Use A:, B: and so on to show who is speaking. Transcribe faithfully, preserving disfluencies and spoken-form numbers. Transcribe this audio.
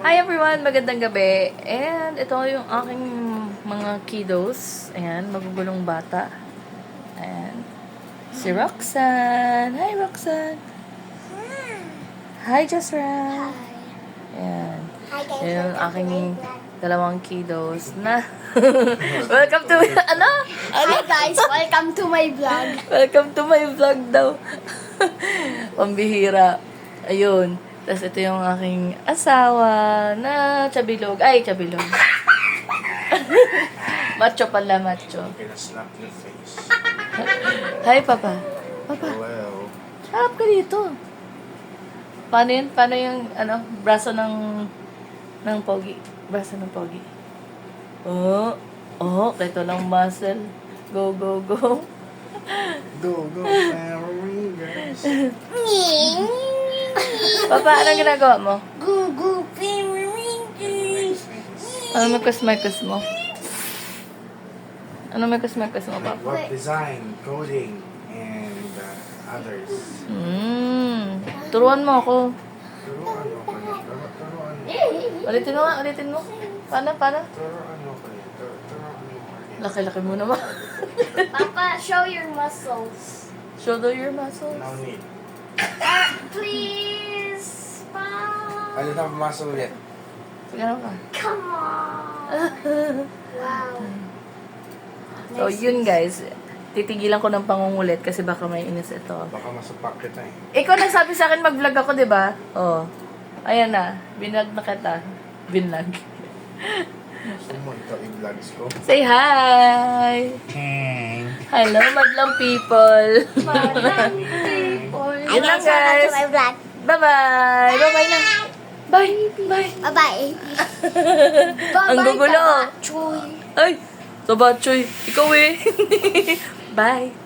A: Hi everyone! Magandang gabi. And ito yung aking mga kiddos. Ayan, magugulong bata. Ayan. Si Roxanne. Hi Roxanne! Hi Jasra! Ayan.
B: Hi guys,
A: Yan yung
B: welcome
A: aking
B: to my vlog.
A: dalawang kiddos na welcome to ano? Ano?
B: Hi guys, welcome to my vlog.
A: Welcome to my vlog daw. Pambihira. Ayun. Tapos ito yung aking asawa na chabilog. Ay, chabilog. Macho pala, macho.
C: Gonna slap your face.
A: Hi, Papa. Papa,
C: Hello.
A: harap ka dito. Paano yun? Paano yung, ano, braso ng, ng pogi? Braso ng pogi. Oh, oh, ito lang muscle. Go, go, go.
C: Go, go, Flamingos.
A: Papa, anong ginagawa mo?
B: Gugu Pimringers.
A: Ano may kusmekos mo? Ano may kusmekos mo, Papa?
C: Web design, coding, and uh, others.
A: Hmm. Turuan mo ako.
C: Turuan mo kayo. Turu- Turuan mo.
A: Ulitin mo nga, ulitin mo. Paano, paano?
C: Turuan mo kayo. Tur- Turuan mo kayo.
A: Laki-laki mo naman.
B: Papa, show your muscles.
A: Shoulder your muscles.
C: No need.
B: Uh, please, Pa.
C: Ano na pumasok ulit?
A: Ganun ka.
B: Come on. Wow.
A: So, yun guys. Titigilan ko ng pangungulit kasi baka may inis ito.
C: Baka masupak kita eh.
A: Ikaw nagsabi sa akin mag-vlog ako, di ba? Oh. Ayan na. Binag na kita. Binlag.
C: Gusto mo ito i-vlogs ko?
A: Say hi!
C: Hey.
A: Hello, madlang people!
B: Hi
A: Yun lang,
B: guys, welcome
A: guys.
B: to my vlog.
A: Bye-bye! Bye-bye na! Bye! Bye!
B: Bye-bye.
A: Ang gugulo.
B: Chuy.
A: Ay! Sabachoy! Ikaw eh! Bye!